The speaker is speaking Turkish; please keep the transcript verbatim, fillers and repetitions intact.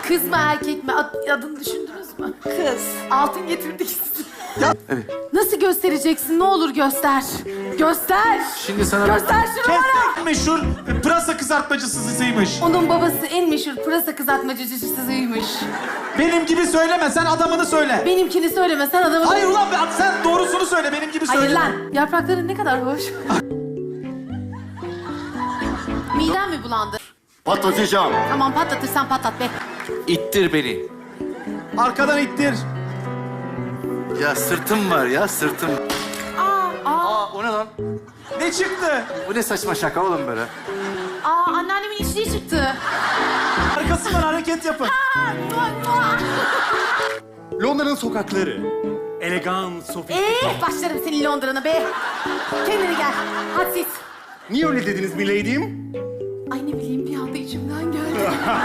Kız mı erkek mi? Ad- adını düşündünüz mü? Kız. Altın getirdik size. Evet. Nasıl göstereceksin? Ne olur göster. Göster. Şimdi sana... Göster şunu bana. Kestek meşhur pırasa kızartmacısıymış. Onun babası en meşhur pırasa kızartmacıcısıymış. Benim gibi söyleme, sen adamını söyle. Benimkini söyleme, sen adamı... Hayır ulan be, sen doğrusunu söyle, benim gibi söyle. Hayır lan. Yaprakların ne kadar hoş. Midem mi bulandı? Patlatacağım. Tamam patlatırsan patlat be. İttir beni. Arkadan ittir. Ya sırtım var ya, sırtım. Aa, aa, Aa, o ne lan? Ne çıktı? Bu ne saçma şaka oğlum böyle? aa, anneannemin içliği çıktı. Arkasından hareket yapın. Aa, mua, mua. Londra'nın sokakları. Elegan, sofistik. Ee, başlarım senin Londra'na be. Kendine gel. Hadi siz. Niye öyle dediniz milady'im? Ay ne bileyim bir anda içimden geldi.